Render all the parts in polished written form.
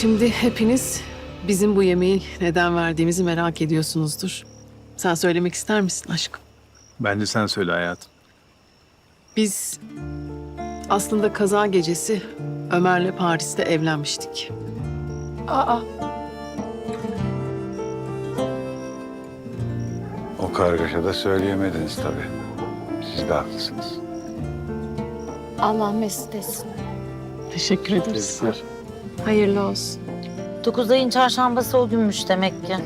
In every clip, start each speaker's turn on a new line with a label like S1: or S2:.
S1: Şimdi hepiniz bizim bu yemeği neden verdiğimizi merak ediyorsunuzdur. Sen söylemek ister misin aşkım?
S2: Bence sen söyle hayatım.
S1: Biz aslında kaza gecesi Ömer'le Paris'te evlenmiştik.
S3: Aa,
S4: O kargaşada söyleyemediniz tabii. Siz de haklısınız.
S3: Allah mesut etsin.
S1: Teşekkür ederiz.
S3: Hayırlı olsun.
S5: 9 ayın çarşambası o günmüş demek ki.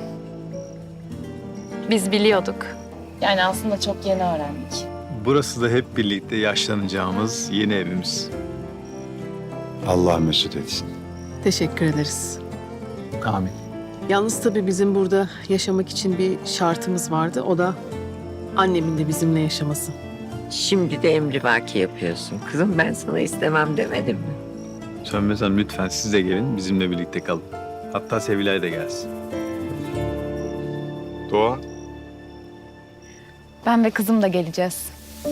S3: Biz biliyorduk. Yani aslında çok yeni öğrendik.
S2: Burası da hep birlikte yaşlanacağımız yeni evimiz.
S4: Allah mesut etsin.
S1: Teşekkür ederiz.
S2: Amin.
S1: Yalnız tabii bizim burada yaşamak için bir şartımız vardı. O da annemin de bizimle yaşaması.
S6: Şimdi de emrivaki yapıyorsun. Kızım ben sana istemem demedim mi?
S2: Sönmez Hanım lütfen siz de gelin bizimle birlikte kalın. Hatta Sevilay da gelsin.
S7: Doğa,
S3: Ben ve kızım da geleceğiz.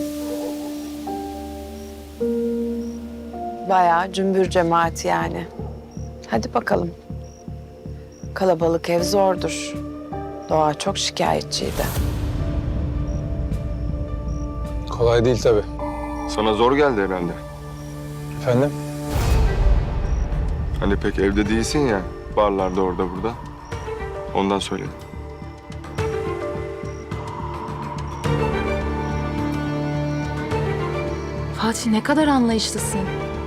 S8: Bayağı cümbür cemaat yani. Hadi bakalım. Kalabalık ev zordur. Doğa çok şikayetçiydi.
S9: Kolay değil tabii.
S7: sana zor geldi herhalde.
S9: Efendim?
S7: Hani pek evde değilsin ya, barlarda orada burada. Ondan söyledim.
S3: Fatih ne kadar anlayışlısın.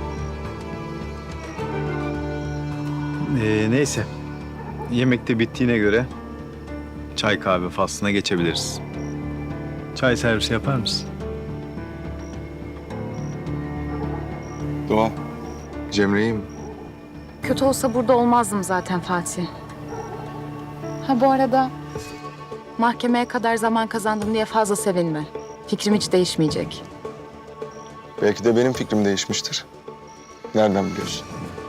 S2: Neyse. Yemek de bittiğine göre çay kahve faslına geçebiliriz. Çay servisi yapar mısın?
S7: Doğa, Cemre'yi mi?
S3: Kötü olsa burada olmazdım zaten Fatih. Ha bu arada mahkemeye kadar zaman kazandım diye fazla sevinme. Fikrim hiç değişmeyecek.
S7: Belki de benim fikrim değişmiştir. Nereden biliyorsun?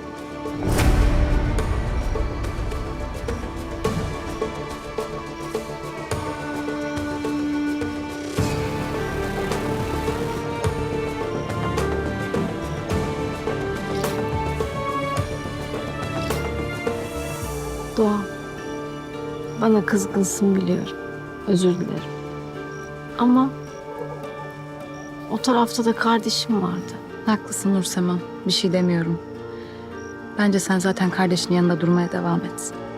S10: Doğa, bana kızgınsın biliyorum. Özür dilerim. Ama o tarafta da kardeşim vardı.
S3: Haklısın Nursema. Bir şey demiyorum. Bence sen zaten kardeşinin yanında durmaya devam et.